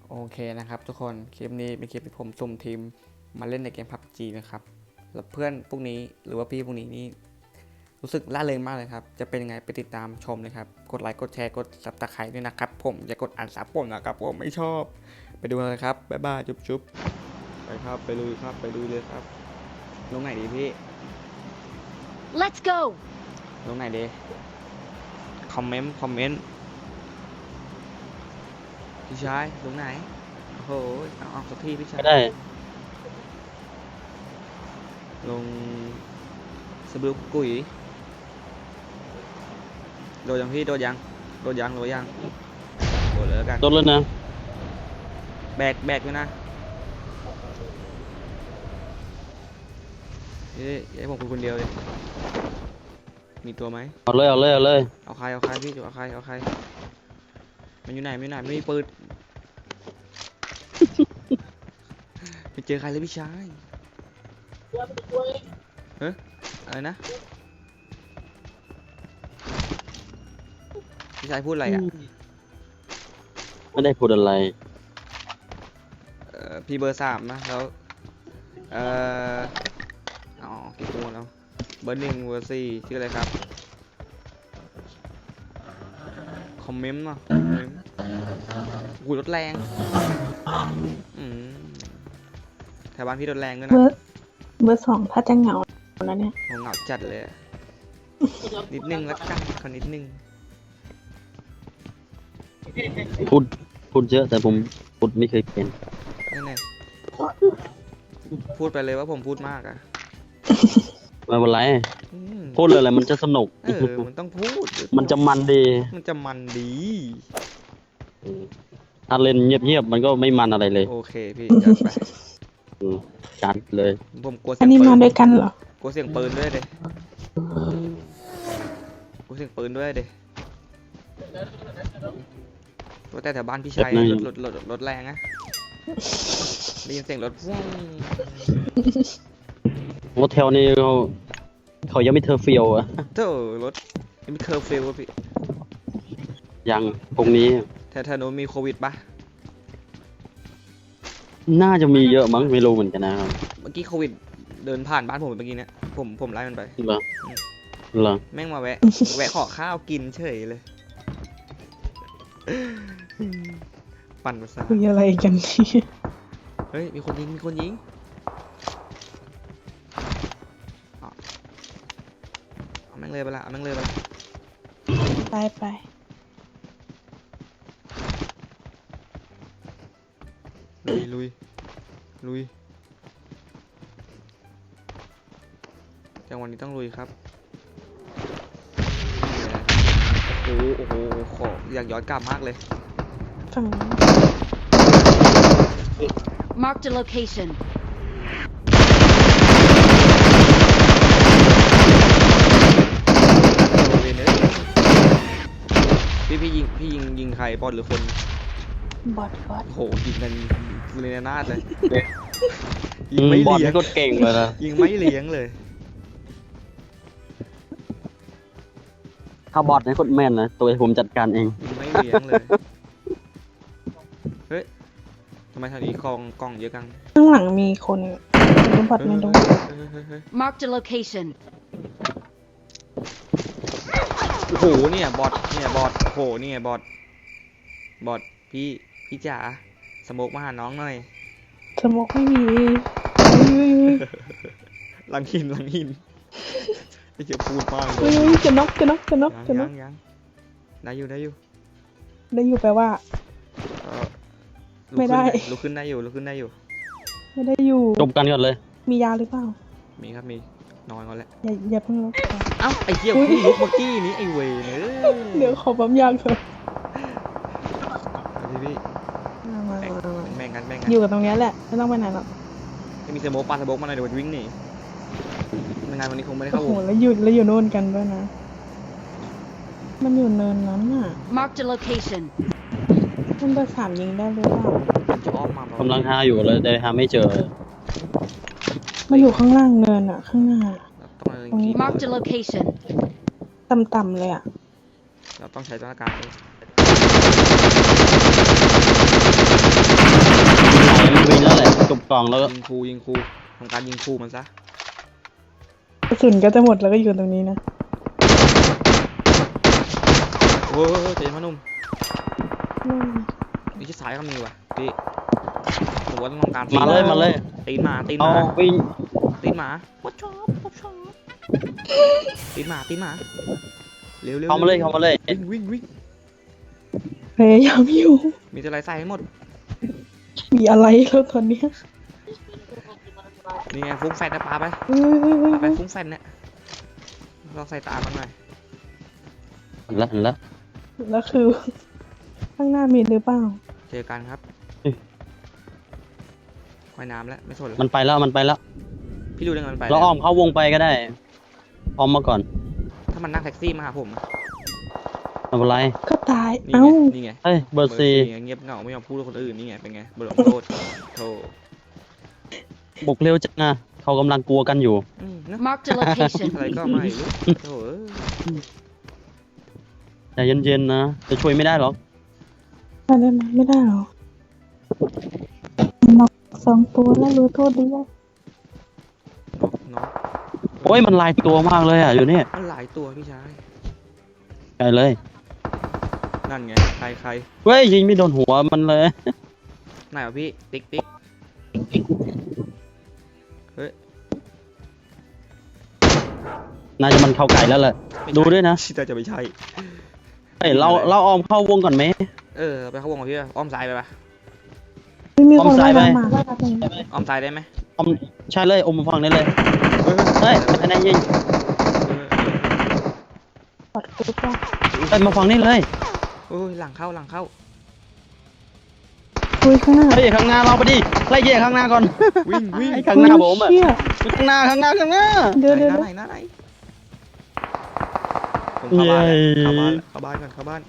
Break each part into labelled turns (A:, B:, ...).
A: โอเคนะครับทุกคนคลิปนี้เป็นคลิปที่ผมสุ่มทีมมาเล่นในเกม PUBG นะครับแล้วเพื่อนพวกนี้หรือว่าพี่พวกนี้นี่รู้สึกล่าเริงมากเลยครับจะเป็นยังไงไปติดตามชมเลยครับกดไลค์กดแชร์กด Subscribe ด้วยนะครับผมอย่ากดอ่านซับผมนะครับผมไม่ชอบไปดูเลยครับบ๊ายบายจุ๊บๆไปครับไปลุยครับไปลุยเลยครับลงไหนดีพี่
B: Let's go
A: ลงไหนดีคอมเมนต์พี่ชายลงไหนโอ้โหเอาสักทีพี่ชาย
C: ไม่ได้
A: ลงสบลูกุ๋ยโดดยังพี่โดดยังโดดแล้วกัน
C: โดนแล้วนะ
A: แบกอยู่นะให้ผมคนเดียวเลยมีตัวไหม
C: เอาเลย
A: เอาใครพี่เอาใครมันอยู่ไหนไม่มีปืน ไปเจอใครเลยพี่ชายเฮ้ยอะไรนะพี่ชายพูดอะไรอ่ะ
C: ไม่ได้พูดอะไร
A: พี่เบอร์3นะแล้วอ๋อกี่ตัวแล้วเบอร์1เบอร์4ชื่ออะไรครับคอมเมนต์เนาะหูรถแรงแถวบ้านพี่รถแรงด้วยนะ
D: เบอร์2ถ้าจะเหงาแล้วเนี่ย
A: เหงาจัดเลยนิดนึงละกันขอนิดนึง
C: พูดเยอะแต่ผมพูดไม่เคยเป็น
A: นั่นแหละพูดไปเลยว่าผมพูดมากอ่ะ
C: ไม่เป็นไรพูดเลยแหละมันจะสนุก
A: มันต้องพูด
C: มันจะมันดีถ้าเล่นเงียบมันก็ไม่มันอะไรเลย
A: โอเคพี่จัดไป
C: จัดเลย
A: ผมกลัวเสียง
D: อันนี้มาด้วยกันเหรอก
A: ลัวเสียงปืนด้วยเด้ตัวแต่แถวบ้านพี่ชายรถแรงนะได้ยินเสียงรถฟุ้ง
C: โฮเทลนี่เขายังไม่เทอร์ฟิลอะ
A: เธอรถยังไม่เคอร์ฟิลพี่
C: ยังตรงนี้
A: แถวโน้นมีโควิดปะ
C: น่าจะมีเยอะมั้งไม่รู้เหมือนกันนะครับ
A: เมื่อกี้โควิดเดินผ่านบ้านผมเมื่อกี้เนี่ยผมไล่มันไป
C: เหรอ
A: แม่งมาแวะขอข้าวกินเฉยเลยปั่นภาษา
D: คุยอะไรกันนี่
A: เฮ้ยมีคนยิงเอาแม่งเลยไปละ
D: ไป
A: ลุยจังหวะนี้ต้องลุยครับโอ้โหขออยากย้อนกลับมากเลย
D: ฝั่ง
B: Mark the location
A: พี่ยิงใครบอลหรือคน
D: บอท
A: โหยิงกันเรนนาดเลย
C: ยิงไม่เลี้ยงก็เก่งเลยนะ
A: ยิงไม่เลี้ยงเลย
C: ถ้าบอทนี่โคตรแม่นนะตัวผมจัดการเอง
A: ยิงไม่เลี้ยงเลยเฮ้ยทำไมทางนี้กล้องเยอะกัง
D: ข้างหลังมีคนดูบอทไม่ดู
B: Mark the location
A: โอ้โหเนี่ยบอทโหเนี่ยบอทพี่จ๋าสโมกมาหาน้องหน่อย
D: สโมกไม่มี
A: หลังหินไม่เจอพูดมาก
D: จะน็อกยัง
A: ได้อยู่
D: แปลว่าไม่ได้
A: ลุกขึ้นได้อยู่
D: ไม่ได้อยู่
C: จบกันก่อนเลย
D: มียาหรือเปล่า
A: มีครับมีนอนก่อนแหละ
D: อย่าเพิ่งลุก
A: เอ้าไอ้เหี้ยพี่ลุกเมื่อกี้นี้ไอ้เวร
D: เดี๋ยวขอปั๊มยาเถอะ
A: พี่แบ่งกัน
D: อยู่กับตรงนี้แหละไม่ต้องไปไหนหรอก
A: จะมีสโมกปาสโมกมาหน่อยเดี๋ยววิ่งหนีงานวันนี้คงไม่ได้เข้าวง
D: แล้วอยู่โน่นกันด้วยนะมันอยู่เนินนั้นน่ะ
B: Mark the location
D: มันเบอร์3ยิงได้หรือเปล่าก
C: ำลังหาอยู่เลยแต่หาไม่เจอ
D: มาอยู่ข้างล่างเนินอ่ะข้างหน้า
B: ตรงนี้ Mark the location
D: ต่ำๆเลยอ่ะ
A: เราต้องใช้ตัวการ
C: กล่องแล้วก็
A: ยิงครูทำการยิงครูมันซะ
D: กระสุนก็จะหมดแล้วก็อยู่ตรงนี้นะ
A: โอ้ยเจ๋งมานุ่ม
D: อืม
A: นี่ชิดซ้ายก็มีว่ะพี่ผมว่าต้องการ
C: มาเลย
A: ตีนหมา
C: เอาวิ่ง
A: ตีนหมาวัดชอบตีนหมาเร็ว
C: เข้ามาเลย
A: วิ่ง
D: พยายามอยู่
A: มีอะไรใส่ให้หมด
D: มีอะไรแล้วตอนเนี้ย
A: นี่ไงฟุ้งแฟนนะปาไป
D: เฮ้ย
A: ปาไปฟุ้งแฟนเนี่ยเราใส่ตามันหน่อย
C: เห็นแล้ว
D: แล้วคือ ข้างหน้ามีหรือเปล่า
A: เจอกันครับว่ายน้ำแล้วไม่สนแล้ว
C: มันไปแล้ว
A: พี่รู้ได้ไงมันไป
C: เราอ้อมเข้าวงไปก็ได้อ้อมมาก่อน
A: ถ้ามันนั่งแท็กซี่มาหาผม
C: ไม่เป็นไร
D: ก็ตาย
A: นี่
D: เอ้า
A: ไงนี่ไง
C: เฮ้ยเบอร์ซี
A: เงียบเหงาไม่ยอมพูดกับคนอื่นนี่ไงเป็นไงบทลงโทษโธ่
C: บุกเร็วจังนะเขากำลังกลัวกันอยู่
A: นะ
B: Marked a location.
A: อะไรก็ไม่รู้โธ่
C: ใจเย็นๆนะจะช่วยไม่ได้หรอก
D: มาได้ไหมไม่ได้หรอน็อก2 ตัวแล้วรู้โทษดีแล้ว
A: น้อง
C: โอ้ยมันลายตัวมากเลยอ่ะอยู่นี่
A: มันหลายตัวพี่ชาย
C: ใช่เลย
A: นั่นไงใคร
C: เฮ้ยยิงไม่โดนหัวมันเลย
A: ไหนวะพี่ติ๊กเฮ้ย
C: น่าจะมันเข้าไก่แล้วแหละ
A: ไม่ใช่
C: ดูด้วยนะ
A: ชิตาจะไม่ใช่
C: เฮ้ยเราอ้อมเข้าวงก่อนไหม
A: ไปเข้าวงกับพี่ป่ะอ้อมซ้ายไปป่ะ
D: ไม่มีคน
C: อ้อมซ้ายไป
D: มา
A: อ้อมซ้ายได้ไหม
C: อ้อมใช่เลยอมมาฟังได้เลย
A: เฮ้ย
C: เฮ้ยอันไหนยิง
D: ปอดกุ๊บว่า
C: เฮ้ยมาฟังนี่เลย
A: โอ้ยหลังเข้า
D: คุยข้างหน้า
C: เฮ้ยข้างหน้าเราไปดิไล่เย่ข้างหน้าก่อน
A: วิ่ง
C: ไอ้ข้างหน้าผมอ่ะ
D: เชี่ย
C: ข้างหน้า
D: เดี๋ยว
A: ไหนผมเข้าบ้านแล้วเข้าบ้าน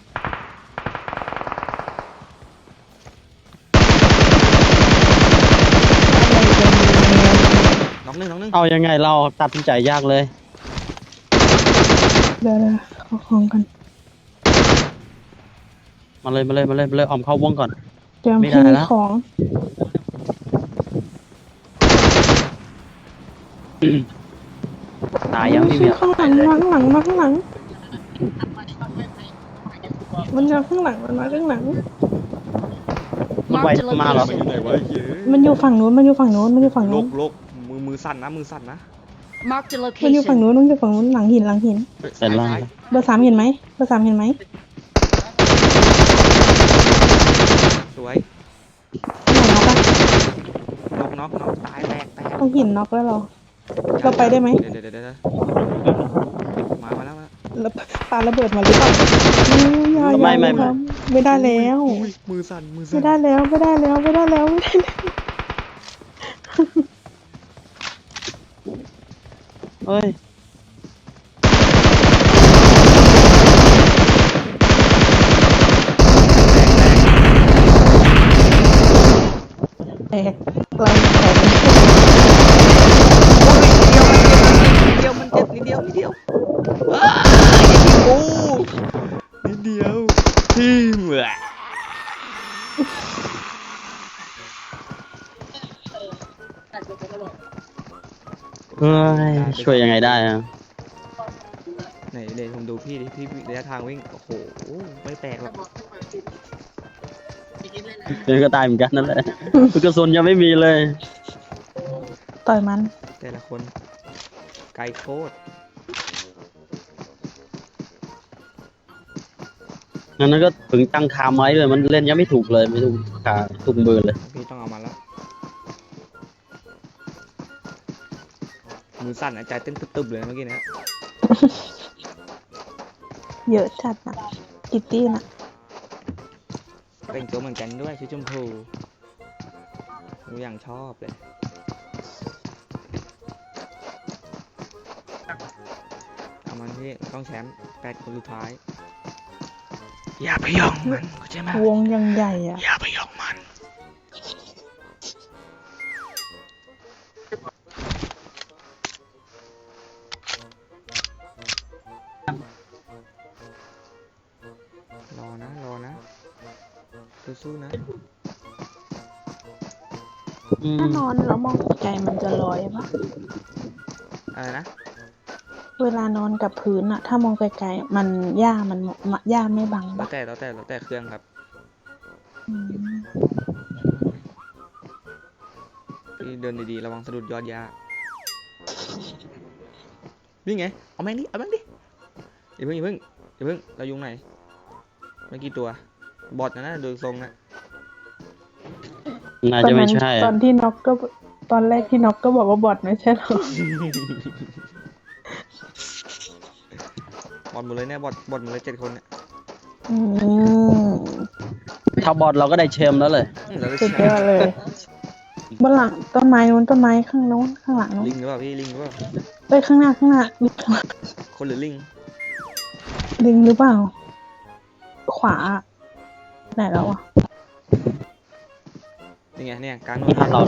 A: น้องหนึ่ง
C: เอายังไงเราตัดสินใจยากเลย
D: เดี๋ยวเอาของกัน
C: มาเลยออมเข้าวงก่อน
D: เตรียม
C: ไม่ได้
D: ที่
C: ละ
D: ของ
C: ตายยังพี่
D: ชื่
C: เมี
D: อย ข้างหลังมาข้างหลังมาข้างหลัง มันมาข้างหลังมันมาข้างหลัง
C: มันไป
B: Marked a
C: มาเหรอ
A: มันอยู่ไหน
B: location.
A: วะเย้
D: มันอยู่ฝั่งนู้นมันอยู่ฝั่งนู้นมันอยู่ฝั่ง
A: ล
D: นู้น
A: กมือสั่นนะ
B: Marked a
D: มันอยู่ฝั่ง
B: location.
D: นู้นมันอยู่ฝั่งนู้นหลังหิน
C: เสร็จแล้ว
D: เบอร์ 3เห็นไหมเบอร์ 3เห็นไหม
A: สวย
D: ข้างหลังน็อกปะ
A: น็อกตายแตก
D: ต้องหินน็อกแล้วเราไปได้ไหม
A: เดี๋ยวมาแล้ว
D: แล้วปาระเบิดมาหรือเปล่าอย่า
C: ไม่
D: ครับไม่ได้แล้ว
A: อุ้ยมือสั่น
D: ไม่ได้แล้วไม่ได้แล้วไม่ได้แล้วไม่ได้แล้ว
C: เฮ้ย
D: แตกไล่แตก
A: นิดเดียวมันเจ็บนิดเดียวโอ้นิดเดียวที่เหมือ
C: เฮ้ยช่วยยังไงได้อะ
A: ไหนเดี๋ยวผมดูพี่ดิพี่ระยะทางวิ่งโอ้โหไม่แตกหรอก
C: เดี๋ยวก็ตายเหมือนกันนั่นแหละกระสุนยังไม่มีเลย
D: ต่อยมัน
A: แต่ละคนไกลโคตร
C: งั้นนั้นก็ถึงตั้งคาไม้เลยมันเล่นยังไม่ถูกเลยไม่ถูกขาถูกมือเลย
A: พี่ต้องเอามาแล้วมือสั่นใจเต้นตึบๆเลยเมื่อกี้นะ
D: เยอะจัดนะกิตตี้น่ะ
A: เป็นตัวเหมือนกันด้วยชื่อชมพูผมอย่างชอบเลยเอามันพี่ต้องแชมป์8 คนสุดท้ายอย่าไปยองมันเข้าใจไหม
D: วงยังใหญ่อ่ะ
A: อย่าไปยองมันรอนะสู้ๆนะ
D: ถ้านอนแล้วมองไกลมันจะลอยปะ
A: อะไรนะ
D: เวลานอนกับพื้นอะถ้ามองไกลๆมันหญ้าไม่บัง
A: แล้ว
D: ปะ
A: แต่เครื่องครับ
D: อืม
A: พี่เดินดีๆระวังสะดุดยอดหญ้านี่ไงเอาแม่งดิอย่าเพิ่งเรายุงไหนไม่กี่ตัวบอทนะดูทรงนะ
C: น่าจะไม่ใช่
D: ตอนที่น็อกก็ตอนแรกที่น็อกก็บอกว่าบอทไม่ใช่หรอ
A: บอทหมดเลยเนี่ยบอทหมดเลย7 คนเนี่ย
D: อืม
C: ถ้าบอดเราก็ได้แชมป์แล้วเลย
A: เราได้
D: สุด
A: แช
D: ยอ
A: ม
D: ด
A: ป์
D: เลยบนหลังต้นไม้นู้นต้นไม้ข้างโน้นข้างหลังนู้น
A: ลิงหรือเปล่าพี่ลิงหรือเปล่า
D: เอ้ยข้างหน้าลิง
A: คนหรือลิง
D: ลิงหรือเปล่า ขวาไหนแล้วอ่ะ
A: นี่ไงเนี่ยกลางโน้
C: นี่
A: น
C: ถ้าเรา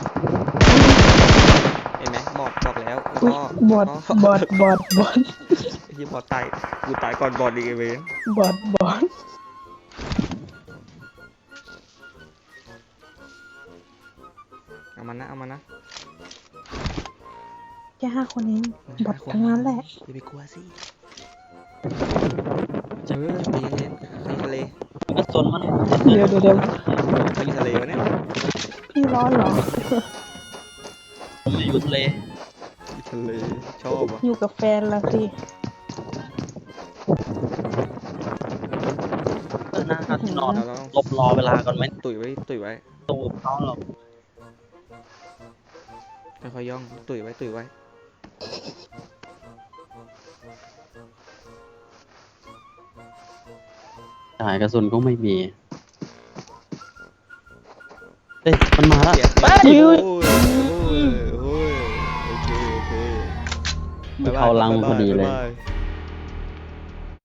A: เห็นไหมบอกแล้วแล้ว
D: อุ๊ย
A: ก็
D: บอท
A: ที่บอทตายกูตายก่อนบอทอีกไอ้เว้ย
D: บอท
A: เอามันนะ
D: แค่5 คนเองบอททั้งนั้นแหละ
A: อย่าไปกลัวสิใจเย็นๆใครทะเล
C: ก็สนมัน
D: เดี๋ยว
A: ใครอยู่ทะเลวะเนี่ย
D: พี่ร้อนเหรอ
C: ผมอยู่ทะเล
A: อยู่ทะเลชอบอ่ะ
D: อยู่กับแฟนละสิ
C: หน้าที่นอน
A: เราต้อง
C: ลบรอเวลาก่อนไหม
A: ตุ๋ยไว้
C: ตู้กับเขาเรา
A: ค่อยๆย่องตุ๋ยไว้
C: จ่ายกระสุนก็ไม่มีเอ้ยมันมาแล้ว
A: เสีย
C: เฮ้ย
A: โอ้ยโอเค
C: มันเข้าลังพอดีเลย
A: บ๊ายบาย